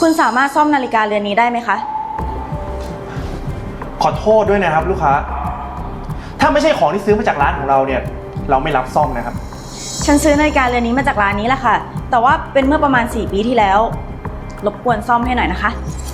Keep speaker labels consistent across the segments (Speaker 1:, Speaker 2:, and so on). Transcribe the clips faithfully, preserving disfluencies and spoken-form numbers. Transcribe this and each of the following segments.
Speaker 1: คุณสามารถซ่อมนาฬิกาเรือนนี้ได้ไหมคะ
Speaker 2: ขอโทษด้วยนะครับลูกค้าถ้าไม่ใช่ของที่ซื้อมาจากร้านของเราเนี่ยเราไม่รับซ่อมนะครับ
Speaker 1: ฉันซื้อนาฬิกาเรือนนี้มาจากร้านนี้แหละค่ะแต่ว่าเป็นเมื่อประมาณสี่ปีที่แล้วรบกวนซ่อมให้หน่อยนะคะ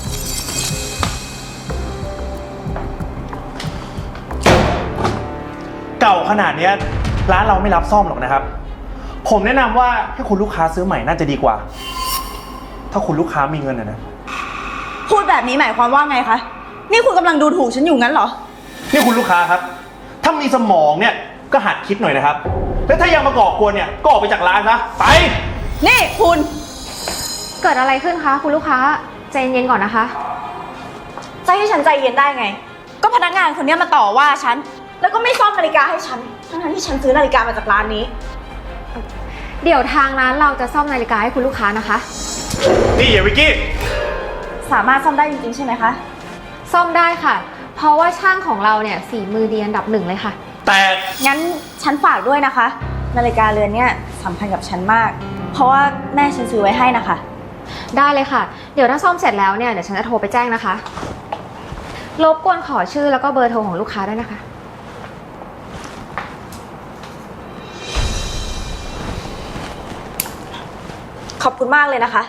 Speaker 2: เก่าขนาดนี้ร้านเราไม่รับซ่อมหรอกนะครับผมแนะนำว่าให้คุณลูกค้าซื้อใหม่น่าจะดีกว่าถ้าคุณลูกค้ามีเงินนะนะ
Speaker 1: พูดแบบนี้หมายความว่าไงคะนี่คุณกำลังดูถูกฉันอยู่งั้นเหรอ
Speaker 2: นี่คุณลูกค้าครับถ้ามีสมองเนี่ยก็หัดคิดหน่อยนะครับแล้วถ้ายังมาก่อกวนเนี่ยก็ออกไปจากร้านซะไป
Speaker 1: นี่คุณ
Speaker 3: เกิดอะไรขึ้นคะคุณลูกค้าใจเย็นๆก่อนนะคะ
Speaker 1: จะให้ฉันใจเย็นได้ไงก็พนักงานคนนี้มาต่อว่าฉันแล้วก็ไม่ซ่อมนาฬิกาให้ฉันทั้งๆที่ฉันซื้อนาฬิกามาจากร้านนี้
Speaker 3: เดี๋ยวทางร้านเราจะซ่อมนาฬิกาให้คุณลูกค้านะคะ
Speaker 2: นี่อย่าวิกกี้
Speaker 1: สามารถซ่อมได้จริงๆใช่ไหมคะ
Speaker 3: ซ่อมได้ค่ะเพราะว่าช่างของเราเนี่ยฝีมือดีอันดับหนึ่งเลยค่ะ
Speaker 2: แต่
Speaker 1: งั้นฉันฝากด้วยนะคะนาฬิกาเรือนเนี่ยสำคัญกับฉันมากเพราะว่าแม่ฉันซื้อไว้ให้นะคะ
Speaker 3: ได้เลยค่ะเดี๋ยวถ้าซ่อมเสร็จแล้วเนี่ยเดี๋ยวฉันจะโทรไปแจ้งนะคะรบกวนขอชื่อแล้วก็เบอร์โทรของลูกค้าด้วยนะคะ
Speaker 1: ขอบคุณมากเลยนะคะ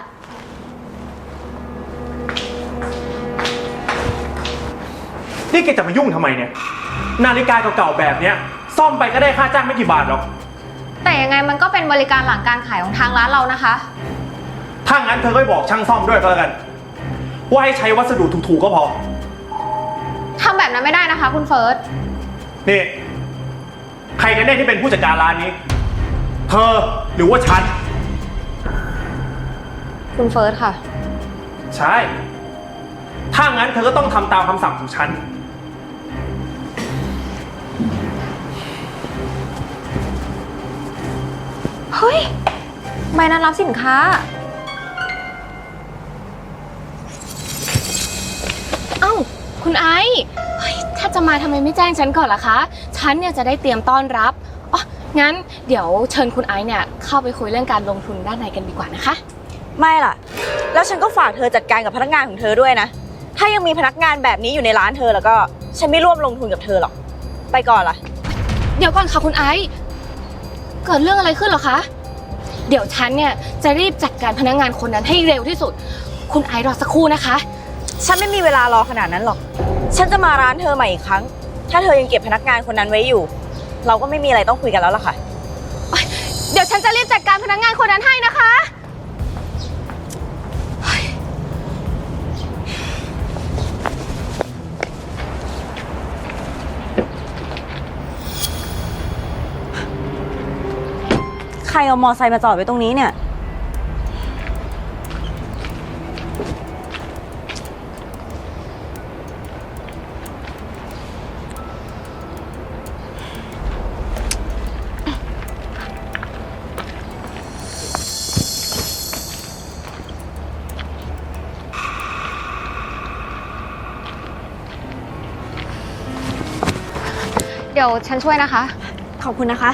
Speaker 2: นี่แกจะมายุ่งทำไมเนี่ยนาฬิกาเก่าๆแบบเนี้ยซ่อมไปก็ได้ค่าจ้างไม่กี่บาทหรอก
Speaker 3: แต่ยังไงมันก็เป็นบริการหลังการขายของทางร้านเรานะคะ
Speaker 2: ถ้างั้นเธอก็บอกช่างซ่อมด้วยก็แล้วกันว่าให้ใช้วัสดุถูกๆก็พอ
Speaker 3: ทำแบบนั้นไม่ได้นะคะคุณเฟิร์ส
Speaker 2: นี่ใครกันแน่ที่เป็นผู้จัดการร้านนี้เธอหรือว่าฉัน
Speaker 3: คุณเฟิร์สค่ะ
Speaker 2: ใช่ถ้างั้นเธอก็ต้องทำตามคำสั่งของฉัน
Speaker 3: เฮ้ยใบนัดรับสินค้า
Speaker 4: เอ้าคุณไอซ์เฮ้ยถ้าจะมาทำไมไม่แจ้งฉันก่อนล่ะคะฉันเนี่ยจะได้เตรียมต้อนรับอ๋องั้นเดี๋ยวเชิญคุณไอซ์เนี่ยเข้าไปคุยเรื่องการลงทุนด้านในกันดีกว่านะคะ
Speaker 1: ไม่ล่ะแล้วฉันก็ฝากเธอจัดการกับพนักงานของเธอด้วยนะถ้ายังมีพนักงานแบบนี้อยู่ในร้านเธอแล้วก็ฉันไม่ร่วมลงทุนกับเธอหรอกไปก่อนล่ะ
Speaker 4: เดี๋ยวก่อนค่ะคุณไอซ์เกิดเรื่องอะไรขึ้นเหรอคะเดี๋ยวฉันเนี่ยจะรีบจัดการพนักงานคนนั้นให้เร็วที่สุดคุณไอซ์รอสักครู่นะคะ
Speaker 1: ฉันไม่มีเวลารอขนาดนั้นหรอกฉันจะมาร้านเธอใหม่อีกครั้งถ้าเธอยังเก็บพนักงานคนนั้นไว้อยู่เราก็ไม่มีอะไรต้องคุยกันแล้วล่ะค่ะ
Speaker 4: เดี๋ยวฉันจะรีบจัดการพนักงานคนนั้นให้นะคะ
Speaker 1: ใครเอามอไซค์มาจอดไว้ตรงนี้เนี่ย
Speaker 3: เดี๋ยวฉันช่วยนะคะ
Speaker 1: ขอบคุณนะคะ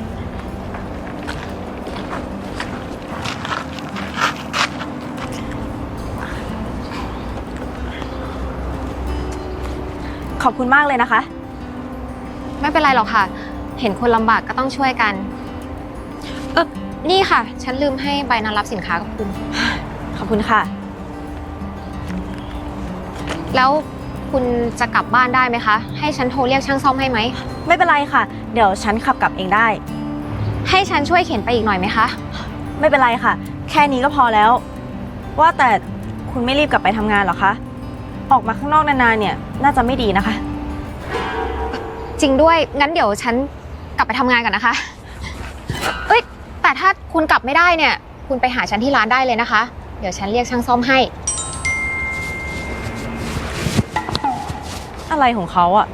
Speaker 1: ขอบคุณมากเลยนะคะ
Speaker 3: ไม่เป็นไรหรอกค่ะเห็นคนลำบากก็ต้องช่วยกันเออนี่ค่ะฉันลืมให้ใบนัดรับสินค้ากับคุณ
Speaker 1: ขอบคุณค่ะ
Speaker 3: แล้วคุณจะกลับบ้านได้ไหมคะให้ฉันโทรเรียกช่างซ่อมให้ไหม
Speaker 1: ไม่เป็นไรค่ะเดี๋ยวฉันขับกลับเองได้
Speaker 3: ให้ฉันช่วยเข็นไปอีกหน่อยไหมคะ
Speaker 1: ไม่เป็นไรค่ะแค่นี้ก็พอแล้วว่าแต่คุณไม่รีบกลับไปทำงานหรอคะออกมาข้างนอกนานๆเนี่ยน่าจะไม่ดีนะคะ
Speaker 3: จริงด้วยงั้นเดี๋ยวฉันกลับไปทำงานก่อนนะคะเอ้ยแต่ถ้าคุณกลับไม่ได้เนี่ยคุณไปหาฉันที่ร้านได้เลยนะคะเดี๋ยวฉันเรียกช่างซ่อมให้
Speaker 1: อะไรของเขาอะ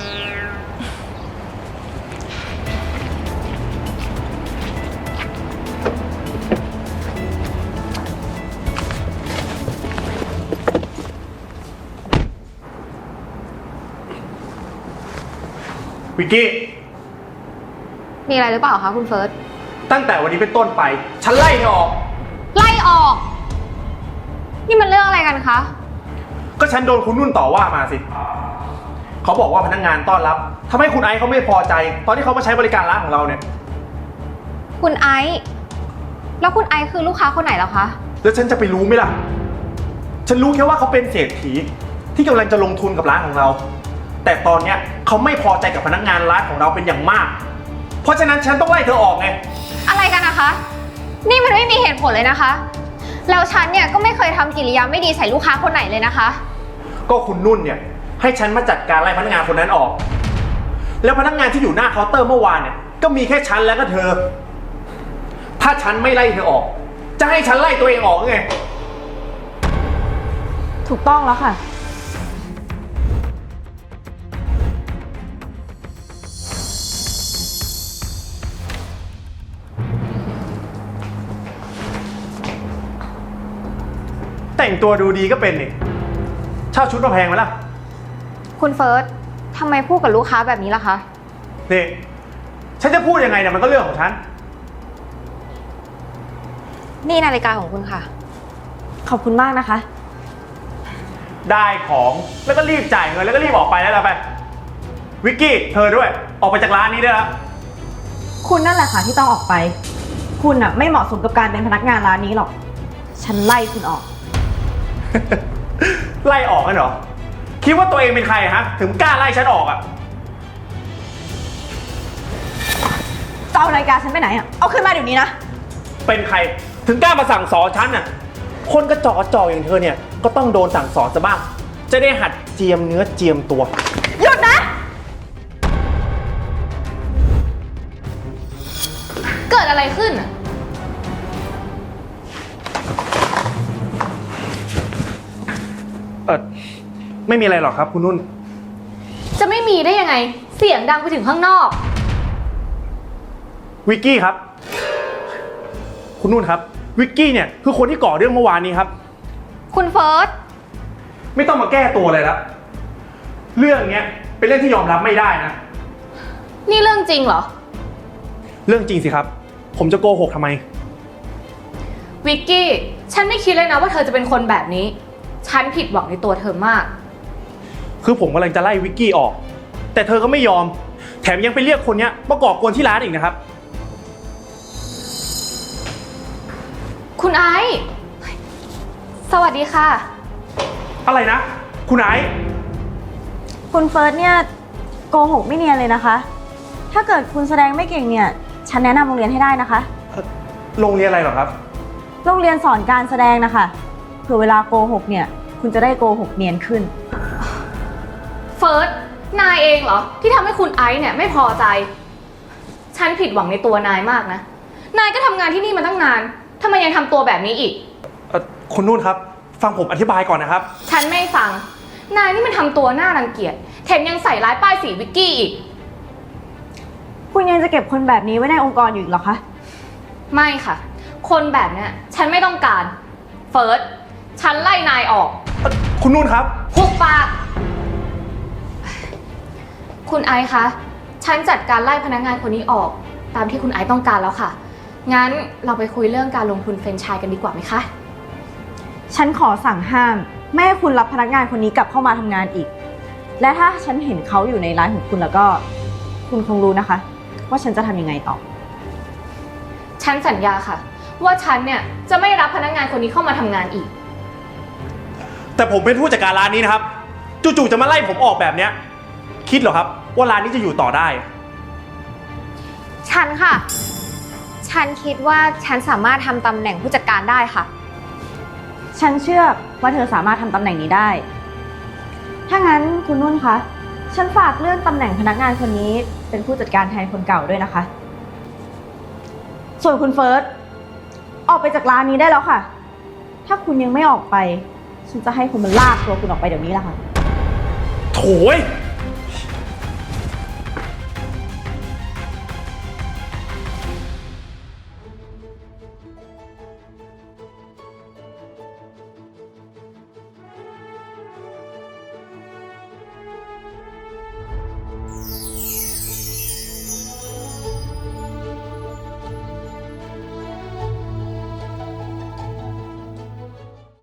Speaker 2: วิกกี้
Speaker 3: มีอะไรหรือเปล่าคะคุณเฟิร์ส
Speaker 2: ตั้งแต่วันนี้เป็นต้นไปฉันไล่เธอออก
Speaker 3: ไล่ออกนี่มันเรื่องกันคะ
Speaker 2: ก็ฉันโดนคุณนุ่นต่อว่ามาสิ เขาบอกว่าพนักงานต้อนรับทำให้คุณไอซ์เขาไม่พอใจ ตอนที่เขามาใช้บริการร้านของเราเนี่ย
Speaker 3: คุณไอซ์แล้วคุณไอซ์คือลูกค้าคนไหนแล้วคะ
Speaker 2: แล้วฉันจะไปรู้ไหมล่ะ ฉันรู้แค่ว่าเขาเป็นเศรษฐีที่กำลังจะลงทุนกับร้านของเรา แต่ตอนเนี้ยเขาไม่พอใจกับพนักงานร้านของเราเป็นอย่างมาก เพราะฉะนั้นฉันต้องไล่เธอออกไง
Speaker 3: อะไรกันนะคะ นี่มันไม่มีเหตุผลเลยนะคะ แล้วฉันเนี่ยก็ไม่เคยทำกิริยาไม่ดีใส่ลูกค้าคนไหนเลยนะคะ
Speaker 2: ก็คุณนุ่นเนี่ยให้ฉันมาจัดการไล่พนักงานคนนั้นออก แล้วพนักงานที่อยู่หน้าเคาน์เตอร์เมื่อวานเนี่ยก็มีแค่ฉันแล้วก็เธอ ถ้าฉันไม่ไล่เธอออก จะให้ฉันไล่ตัวเองออกไง
Speaker 1: ถูกต้องแล้วค่ะ
Speaker 2: แต่งตัวดูดีก็เป็นนี่เช่าชุดมาแพงไหมล่ะ
Speaker 3: คุณเฟิร์สทำไมพูดกับลูกค้าแบบนี้ล่ะคะ
Speaker 2: นี่ฉันจะพูดยังไงเนี่ยมันก็เรื่องของฉัน
Speaker 3: นี่นาฬิกาของคุณค่ะ
Speaker 1: ขอบคุณมากนะคะ
Speaker 2: ได้ของแล้วก็รีบจ่ายเงินแล้วก็รีบออกไปแล้วล่ะไป วิกกี้เธอด้วยออกไปจากร้านนี้ได้แล้ว
Speaker 1: คุณนั่นแหละค่ะที่ต้องออกไป คุณอะไม่เหมาะสมกับการเป็นพนักงานร้านนี้หรอก ฉันไล่คุณออก
Speaker 2: ไล่ออกกันเหรอ คิดว่าตัวเองเป็นใครฮะ ถึงกล้าไล่ฉันออกอ่ะ
Speaker 1: จะเอานาฬิกาฉันไปไหนอะเอาขึ้นมาเดี๋ยวนี้นะ
Speaker 2: เป็นใครถึงกล้ามาสั่งสอนฉันน่ะ คนกระจอกกระจอกอย่างเธอเนี่ยก็ต้องโดนสั่งสอนซะบ้าง จะได้หัดเจียมเนื้อเจียมตัว
Speaker 1: หยุดนะ
Speaker 4: เกิดอะไรขึ้นอะ
Speaker 2: เออไม่มีอะไรหรอกครับคุณนุ่น
Speaker 4: จะไม่มีได้ยังไง เสียงดังไปถึงข้างนอก
Speaker 2: วิกกี้ครับ คุณนุ่นครับ วิกกี้เนี่ยคือคนที่ก่อเรื่องเมื่อวานนี้ครับ
Speaker 3: คุณเฟิร์ส
Speaker 2: ไม่ต้องมาแก้ตัวเลยแล้วเรื่องเนี้ยเป็นเรื่องที่ยอมรับไม่ได้นะ
Speaker 4: นี่เรื่องจริงเหรอ
Speaker 2: เรื่องจริงสิครับ ผมจะโกหกทำไม
Speaker 4: วิกกี้ ฉันไม่คิดเลยนะว่าเธอจะเป็นคนแบบนี้ ฉันผิดหวังในตัวเธอมาก
Speaker 2: คือผมกำลังจะไล่วิกกี้ออก แต่เธอก็ไม่ยอม แถมยังไปเรียกคนเนี้ยมาก่อกวนที่ร้านอีกนะครับ
Speaker 4: คุณไอซ์สวัสดีค่ะ
Speaker 2: อะไรนะ คุณไอซ์
Speaker 1: คุณเฟิร์สเนี่ยโกหกไม่เนียนเลยนะคะ ถ้าเกิดคุณแสดงไม่เก่งเนี่ย ฉันแนะนำโรงเรียนให้ได้นะคะ
Speaker 2: โรงเรียนอะไรเหรอครับ
Speaker 1: โรงเรียนสอนการแสดงนะคะเผื่อเวลาโกหกเนี่ย คุณจะได้โกหกเนียนขึ้น
Speaker 4: เฟิร์ส นายเองเหรอ ที่ทำให้คุณไอซ์เนี่ยไม่พอใจ ฉันผิดหวังในตัวนายมากนะ นายก็ทำงานที่นี่มาตั้งนานทำไมยังทำตัวแบบนี้อีก
Speaker 2: เอ่อคุณนุ่นครับ ฟังผมอธิบายก่อนนะครับ
Speaker 4: ฉันไม่ฟัง นายนี่มันทำตัวน่ารังเกียจ แถมยังใส่ร้ายป้ายสีวิกกี้อีก
Speaker 1: คุณยังจะเก็บคนแบบนี้ไว้ในองค์กรอยู่อีกเหรอคะ
Speaker 4: ไม่ค่ะ คนแบบเนี้ยฉันไม่ต้องการ เฟิร์ส ฉันไล่นายออก
Speaker 2: คุณนุ่นครับ
Speaker 4: หุบปาก คุณไอซ์คะ ฉันจัดการไล่พนักงานคนนี้ออก ตามที่คุณไอซ์ต้องการแล้วค่ะ งั้นเราไปคุยเรื่องการลงทุนแฟรนไชส์กันดีกว่าไหมคะ
Speaker 1: ฉันขอสั่งห้ามไม่ให้คุณรับพนักงานคนนี้กลับเข้ามาทำงานอีก และถ้าฉันเห็นเขาอยู่ในร้านของคุณแล้วก็ คุณคงรู้นะคะ ว่าฉันจะทำยังไงต่อ
Speaker 4: ฉันสัญญาค่ะ ว่าฉันเนี่ยจะไม่รับพนักงานคนนี้เข้ามาทำงานอีก
Speaker 2: แต่ผมเป็นผู้จัดการร้านนี้นะครับ จู่ๆจะมาไล่ผมออกแบบเนี้ย คิดเหรอครับว่าร้านนี้จะอยู่ต่อได้
Speaker 3: ฉันค่ะ ฉันคิดว่าฉันสามารถทำตำแหน่งผู้จัดการได้ค่ะ
Speaker 1: ฉันเชื่อว่าเธอสามารถทำตำแหน่งนี้ได้ ถ้างั้นคุณนุ่นคะ ฉันฝากเลื่อนตำแหน่งพนักงานคนนี้เป็นผู้จัดการแทนคนเก่าด้วยนะคะ ส่วนคุณเฟิร์ส ออกไปจากร้านนี้ได้แล้วค่ะ ถ้าคุณยังไม่ออกไป ฉันจะให้คนมาลากตัวคุณออกไปเดี๋ยวนี้แหละค่ะ
Speaker 2: โถย